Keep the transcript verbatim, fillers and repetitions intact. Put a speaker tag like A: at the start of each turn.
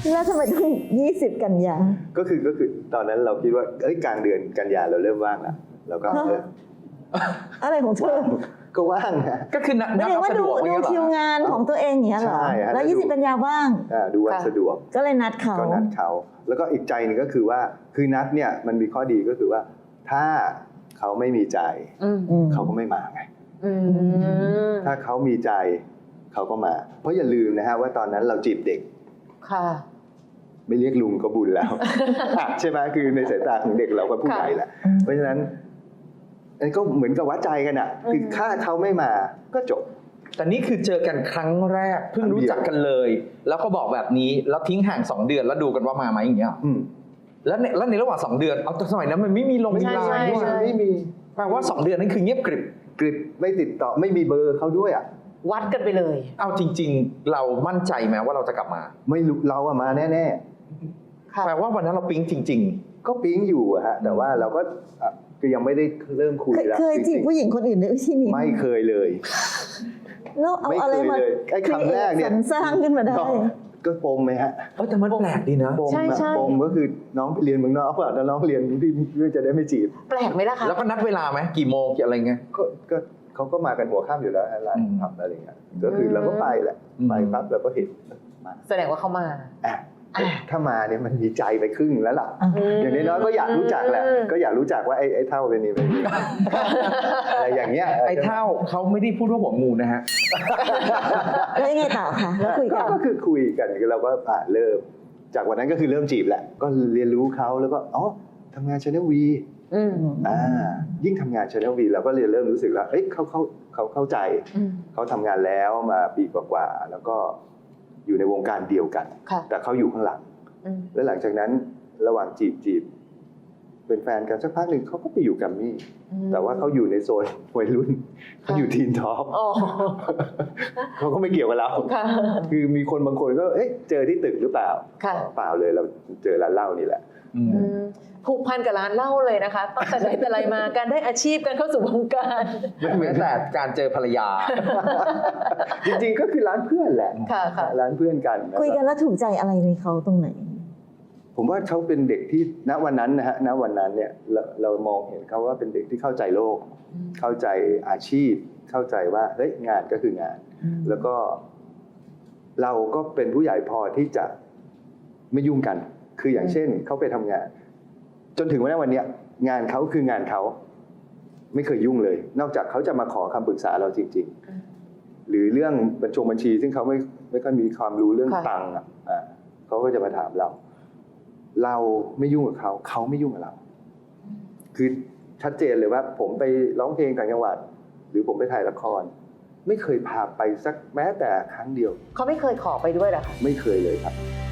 A: แล้วทำไมต้องยี่สิบกันยา
B: ก็คือก็คือตอนนั้นเราคิดว่าเอ้ยกลางเดือนกันยาเราเริ่มว่างแล้วเราก็เออ
A: อะไรของเธอ
B: ก็ว่างนะ
C: ก็คือนัด
A: ไม่ได้ว่า
C: สะด
A: ดู
C: วก
A: ดูคิวงานของตัวเองอย่างเงี้ยเหรอ
B: ใช่ฮะ
A: แล้วยี่สิบกันยาว่าง
B: อ่าดูวันสะดวก
A: ก็เลยนัดเขา
B: ก็นัดเขาแล้วก็อีกใจหนึ่งก็คือว่าคือนัดเนี่ยมันมีข้อดีก็คือว่าถ้าเขาไม่มีใจเขาก็ไม่มาไงถ้าเขามีใจเขาก็มาเพราะอย่าลืมนะฮะว่าตอนนั้นเราจีบเด็ก
D: ค่ะ
B: ไม่เรียกลุงก็บุญแล้ว ใช่ไหมคือในสายตาของเด็กเราก็ผู้ใหญ่แหละเพราะฉะนั้นอันก็เหมือนกับวัดใจกันอ่ะคือถ้าเขาไม่มาก็จบ
C: แต่นี่คือเจอกันครั้งแรกเพิ่งรู้จักกันเลย แล้วก็บอกแบบนี้แล้วทิ้งห่างสองเดือนแล้วดูกันว่ามาไหมอย่างเงี้ยแล้วในแล้วในระหว่างสองเดือนเอาแต่สมัยนั้นมันไม่มีลงไลน์ด้วย
B: ไม่มี
C: แปลว่าสองเดือนนั้นคือเงียบกริบ
B: กริบไม่ติดต่อไม่มีเบอร์เขาด้วยอ่ะ
D: วัดกันไปเลย
C: เอาจริงๆเรามั่นใจไหมว่าเราจะกลับมา
B: ไม่รู้เราอะมาแน่
C: ๆแปลว่าวันนั้นเราปิ๊งจริง
B: ๆก็ปิ๊งอยู่อะฮะแต่ว่าเราก็คือยังไม่ได้เริ่มคุยแล้ว
A: เคยจีบผู้หญิงคนอื่นในวิธีนี้
B: ไม่เคยเลย
A: แล้วเอาอะไรมา
B: ไอ้คำแรกเนี่ย
A: สร้างขึ้นมาได้
B: ก็ปมไหมฮะ
C: เออแต่มันแปลกดีนะ
B: ปมปมก็คือน้องไปเรียนเมืองนอกแล้วน้องเรียนที่เพื่อจะได้ไม่จีบ
D: แปลกไหมล่ะคะ
C: แล้วก็นัดเวลาไหมกี่โมงกี่อะไรเงี้ย
B: ก็ก็เขาก็มากันหัวค่ำอยู่แล้วอะไรทำอะไรเงี้ยก็คือเราก็ไปแหละไปปั๊บเราก็เห็น
D: มาแสดงว่าเขามา
B: ถ้ามาเนี่ยมันมีใจไปครึ่งแล้วล่ะอย่างน้อยๆก็อยากรู้จักแหละก็อยากรู้จักว่าไอ้ไอ้เท่าเป็นนี่เป็นอะไรอย่างเงี้ย
C: ไอ้เท่าเขาไม่ได้พูดว่าหัวงูนะฮะ
A: แล้วยังไงต่อคะแล้วคุยกัน
B: ก็คือคุยกันเราก็เริ่มจากวันนั้นก็คือเริ่มจีบแหละก็เรียนรู้เขาแล้วก็อ๋อทำงาน Channel V อ่ายิ่งทำงาน Channel V เราก็เรียนเริ่มรู้สึกแล้วเอ้ยเขาเขาเขาเข้าใจเขาทำงานแล้วมาปีกว่าๆแล้วก็อยู่ในวงการเดียวกันแต่เขาอยู่ข้างหลังแล้วหลังจากนั้นระหว่างจีบจีบเป็นแฟนกันสักพักหนึ่งเขาก็ไปอยู่กัมมี่แต่ว่าเขาอยู่ในโซนวัยรุ่นเขาอยู่ทีนท็อปเขาก็ไม่เกี่ยวกับเราคือมีคนบางคนก็เอ๊ะเจอที่ตึกหรือเปล่าเปล่าเลยเราเจอร้านเหล้านี่แหละ
D: ผูกพันกับร้านเหล้าเลยนะคะตั้งแต่ไหนแต่ไรมาการได้อาชีพการเข้าสู่วงการ
C: ไม่แม้แต่การเจอภรรยา
B: จริงๆก็คือร้านเพื่อนแหละร้านเพื่อนกัน
A: คุยกันแล้วถูกใจอะไรในเขาตรงไหน
B: ผมว่าเขาเป็นเด็กที่ณวันนั้นนะฮะณวันนั้นเนี่ยเราเรามองเห็นเขาว่าเป็นเด็กที่เข้าใจโลกเข้าใจอาชีพเข้าใจว่าเฮ้ยงานก็คืองานแล้วก็เราก็เป็นผู้ใหญ่พอที่จะไม่ยุ่งกันคืออย่างเช่นเขาไปทำงานจนถึงวันนี้วันนี้งานเขาคืองานเขาไม่เคยยุ่งเลยนอกจากเขาจะมาขอคำปรึกษาเราจริงๆหรือเรื่องบัญชงบัญชีซึ่งเขาไม่ไม่ค่อยมีความรู้เรื่องตังค์อ่ะเขาก็จะมาถามเราเราไม่ยุ่งกับเขาเขาไม่ยุ่งกับเราคือชัดเจนเลยว่าผมไปร้องเพลงต่างจังหวัดหรือผมไปถ่ายละครไม่เคยพาไปสักแม้แต่ครั้งเดียว
D: เขาไม่เคยขอไปด้วยหรอคะ
B: ไม่เคยเลยครับ